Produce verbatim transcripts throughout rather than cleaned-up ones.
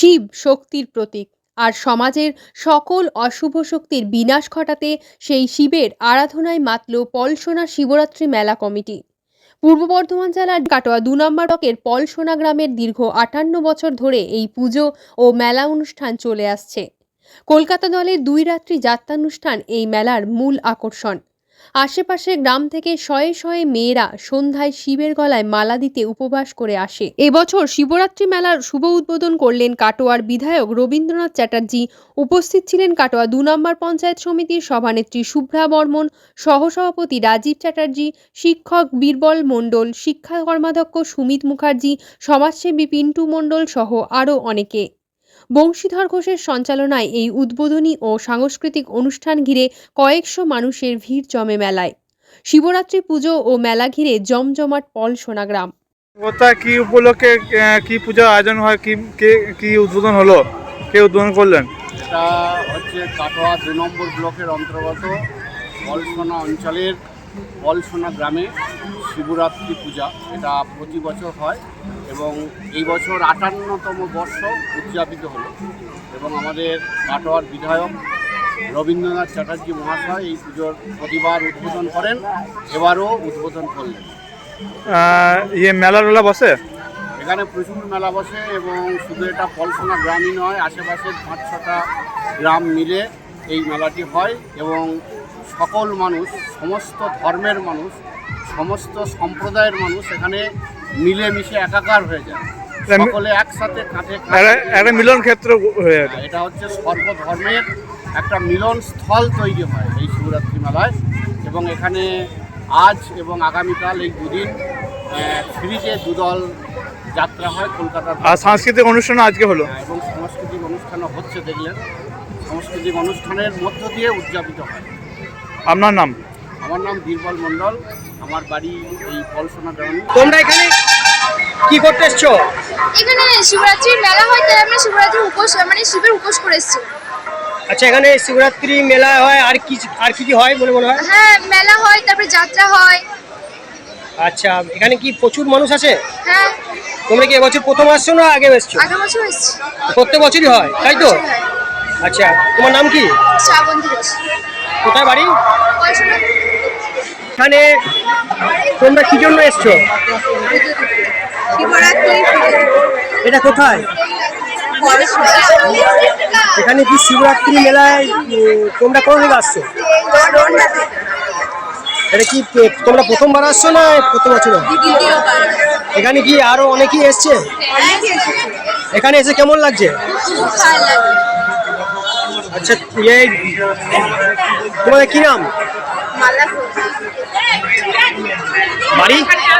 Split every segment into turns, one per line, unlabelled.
শিব শক্তির প্রতীক, আর সমাজের সকল অশুভ শক্তির বিনাশ ঘটাতে সেই শিবের আরাধনায় মাতল পলসোনা শিবরাত্রি মেলা কমিটি। পূর্ব বর্ধমান জেলার কাটোয়া দু নম্বর ব্লকের পলসোনা গ্রামের দীর্ঘ আটান্ন বছর ধরে এই পুজো ও মেলা অনুষ্ঠান চলে আসছে। কলকাতা দলের দুই রাত্রি যাত্রানুষ্ঠান এই মেলার মূল আকর্ষণ। আশেপাশের গ্রাম থেকে শয়ে শয়ে মেয়েরা সন্ধ্যায় শিবের গলায় মালা দিতে উপবাস করে আসে। এবছর শিবরাত্রি মেলার শুভ উদ্বোধন করলেন কাটোয়ার বিধায়ক রবীন্দ্রনাথ চ্যাটার্জি। উপস্থিত ছিলেন কাটোয়া দু নম্বর পঞ্চায়েত সমিতির সভানেত্রী শুভ্রা বর্মন, সহসভাপতি রাজীব চ্যাটার্জি, শিক্ষক বীরবল মণ্ডল, শিক্ষা কর্মাধ্যক্ষ সুমিত মুখার্জি, সমাজসেবী পিন্টু মণ্ডল সহ আরও অনেকে। বংশীধর ঘোষের সঞ্চালনায় এই উদ্বোধনী ও সাংস্কৃতিক অনুষ্ঠান ঘিরে কয়েকশো মানুষের ভিড় জমে মেলায়। শিবরাত্রি পুজো ও মেলা ঘিরে জমজমাট পলসোনা গ্রাম।
কোথায় কি উপলক্ষে কি পূজা আয়োজন হয়, কি কি উদ্বোধন হলো, কে উদ্বোধন করলেন?
এটা হচ্ছে কাটোয়া দু নম্বর ব্লকের অন্তর্গত পলসোনা অঞ্চলের পলসোনা গ্রামে শিবরাত্রি পূজা। এটা প্রতি বছর হয় এবং এই বছর আটান্নতম বর্ষ উদযাপিত হলো এবং আমাদের কাটোয়ার বিধায়ক রবীন্দ্রনাথ চ্যাটার্জি মহাশয় এই পুজোর প্রতিবার উদ্বোধন করেন, এবারও উদ্বোধন করলেন।
ইয়ে মেলা টেলা বসে
এখানে প্রচুর মেলা বসে এবং শুধু এটা পলসোনা গ্রামই নয়, আশেপাশের পাঁচ ছটা গ্রাম মিলে এই মেলাটি হয় এবং সকল মানুষ, সমস্ত ধর্মের মানুষ, সমস্ত সম্প্রদায়ের মানুষ এখানে মিলেমিশে একাকার হয়ে যায়, সকলে একসাথে কাঁধে
একটা মিলন ক্ষেত্র হয়ে যায়।
এটা হচ্ছে সর্বধর্মের একটা মিলন স্থল তৈরি হয় এই শিবরাত্রি মেলায় এবং এখানে আজ এবং আগামীকাল এই দুদিন ফ্রিতে দুদল যাত্রা হয় কলকাতার।
আর সাংস্কৃতিক অনুষ্ঠান আজকে হলো
এবং সাংস্কৃতিক অনুষ্ঠানও হচ্ছে, দেখলেন। সাংস্কৃতিক অনুষ্ঠানের মধ্য দিয়ে উদযাপিত হয়।
আপনার নাম?
আমার নাম বীরবল মণ্ডল, আমার বাড়ি এই পলসোনা গ্রামে।
তোমরা এখানে কি করতে এসছো?
এখানে শিবরাত্রির মেলা হয়, তাই আমরা শিবরাত্রির উপোস মানে শিবের উপোস করে এসেছি।
আচ্ছা, এখানে শিবরাত্রি মেলা হয়, আর কি আর কি কি হয় বলে মনে হয়?
হ্যাঁ, মেলা হয়, তারপরে যাত্রা হয়।
আচ্ছা, এখানে কি প্রচুর মানুষ আছে?
হ্যাঁ।
তোমরা কি এবছর প্রথম আসছো না আগে এসছো?
আগের বছর এসেছি।
প্রত্যেক বছরই হয়, তাই তো? আচ্ছা, তোমার নাম কি?
শ্রাবন্তী ঘোষ।
কোথায় বাড়ি?
পলসোনা।
এখানে তোমরা কি জন্য এসছো?
শিবরাত্রি।
এটা কোথায়? এখানে কি শিবরাত্রি মেলায় তোমরা কোন দিকে আসছো? এটা কি তোমরা প্রথমবার আসছো না প্রথম বছর? এখানে কি আরো অনেকেই এসছে? এখানে এসে কেমন লাগছে? আচ্ছা, এই তোমাদের কি নাম? বাড়ি?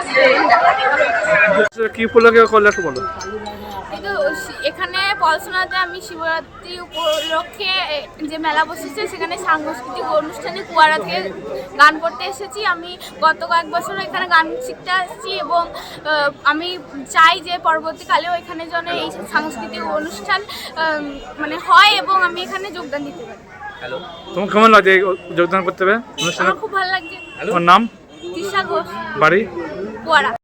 কি উপলক্ষে করলে একটু বলো।
এখানে পলসোনাতে আমি শিবরাত্রি উপলক্ষে যে মেলা বসেছে সেখানে সাংস্কৃতিক অনুষ্ঠানে কুয়ারা থেকে গান করতে এসেছি। আমি গত কয়েক বছর এখানে গান শিখতে আসছি এবং আমি চাই যে পরবর্তীকালেও এখানে যেন এই সাংস্কৃতিক অনুষ্ঠান মানে হয় এবং আমি এখানে যোগদান দিতে পারি।
হ্যালো, তোমার কেমন লাগছে যোগদান করতে হবে অনুষ্ঠানে?
আমার খুব ভালো লাগছে।
তোমার নাম?
তৃষা ঘোষ,
বাড়ি?
কুয়ারা।